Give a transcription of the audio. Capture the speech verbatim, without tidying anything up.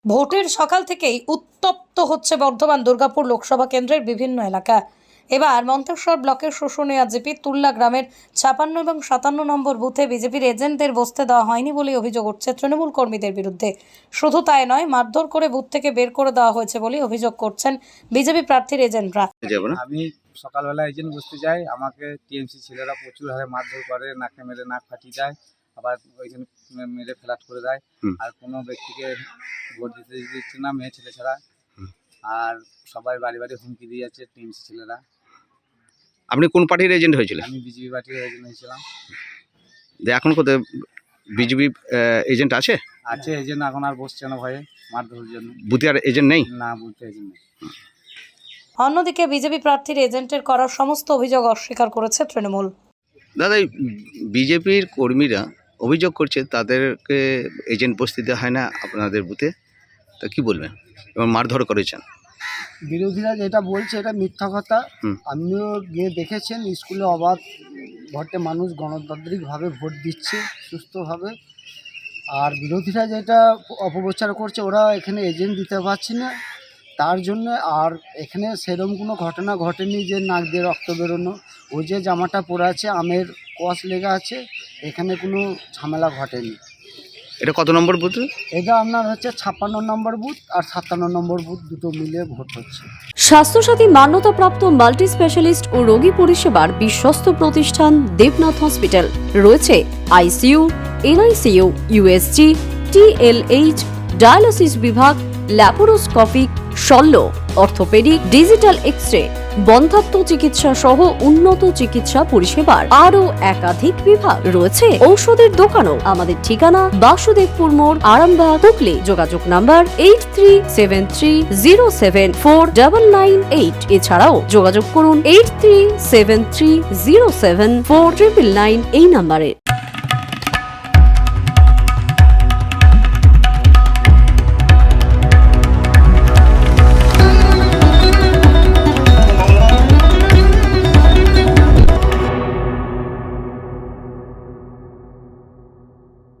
ভোটের সকাল থেকেই উত্তপ্ত হচ্ছে বর্ধমান দুর্গাপুর লোকসভা কেন্দ্রের বিভিন্ন এলাকা। এবার মন্তেশ্বর ব্লকের শুশুনিয়া জিপি তুল্লা গ্রামের ছাপান্ন এবং সাতান্ন নম্বর বুথে বিজেপির এজেন্টদের বসতে দেওয়া হয়নি বলে অভিযোগ উঠছে তৃণমূল কর্মীদের বিরুদ্ধে। শুধু তাই নয়, মারধর করে বুথ থেকে বের করে দেওয়া হয়েছে বলে অভিযোগ করছেন বিজেপি প্রার্থীর এজেন্টরা। আমি সকালবেলা এজেন্ট বসতে যাই, আমাকে টিএমসি ছেলেরা প্রচুর হারে মারধর করে, নাকে মেরে নাক ফাটিয়ে দেয়, আবার ওইখানে মেরে ফ্ল্যাট করে দেয়। আর কোনো ব্যক্তিকে ভোট দিতে দিচ্ছে না, মেয়ে ছেলে ছাড়া। আর সবাই বাড়ি বাড়ি হুমকি দিয়ে যাচ্ছে টিএমসি ছেলেরা। আপনি কোন পার্টির এজেন্ট হয়েছিলেন? আমি বিজেপি পার্টির এজেন্ট হয়েছিলাম। এখন কোথায় বিজেপি এজেন্ট আছে? আছে এজেন্ট, এখন আর বসছে না ভয়ে মারধরের জন্য। বুথে আর এজেন্ট নেই? না, বুথে এজেন্ট নেই। অন্যদিকে বিজেপি প্রার্থীর এজেন্টের করা সমস্ত অভিযোগ অস্বীকার করেছে তৃণমূল। দাদা, বিজেপির কর্মীরা অভিযোগ করছে তাদেরকে এজেন্ট বসতে দেওয়া হয় না আপনাদের বুথে, তা কি বলবেন? এবং মারধর করেছেন। বিরোধীরা যেটা বলছে এটা মিথ্যা কথা। হুম। আপনিও গিয়ে দেখেছেন, স্কুলে অবাধ ভোটে মানুষ গণতান্ত্রিকভাবে ভোট দিচ্ছে সুস্থভাবে। আর বিরোধীরা যেটা অপপ্রচার করছে, ওরা এখানে এজেন্ট দিতে পারছে না তার জন্য। আর এখানে সেরকম কোনো ঘটনা ঘটেনি যে নাক দিয়ে রক্ত বেরোনো। ও যে জামাটা পরে আছে আমের কস লেগে আছে, এখানে কোনো ঝামেলা ঘটেনি। এটা কত নম্বর বুথ? এটা আপনার হচ্ছে ছাপ্পান্ন নম্বর বুথ আর সাতান্ন নম্বর বুথ, দুটো মিলিয়ে ভোট হচ্ছে। স্বাস্থ্যসাথী মান্যতাপ্রাপ্ত মাল্টি স্পেশালিস্ট ও রোগী পরিষেবার বিশ্বস্ত প্রতিষ্ঠান দেবনাথ হসপিটাল। রয়েছে ICU, NICU, USG, TLH, dialysis বিভাগ, ল্যাপারোস্কোপিক, শল্য, অর্থোপেডিক, ডিজিটাল এক্স-রে, বন্ধ্যাত্ব চিকিৎসা সহ উন্নত চিকিৎসা পরিষেবার আরও একাধিক বিভাগ রয়েছে। ঔষধের দোকানও। আমাদের ঠিকানা বাসুদেবপুর মোড়, আরামবাগ, হুগলি। যোগাযোগ number eight three seven three zero seven four double nine eight. এছাড়াও যোগাযোগ করুন eight three seven three zero seven four triple nine এই নাম্বারে।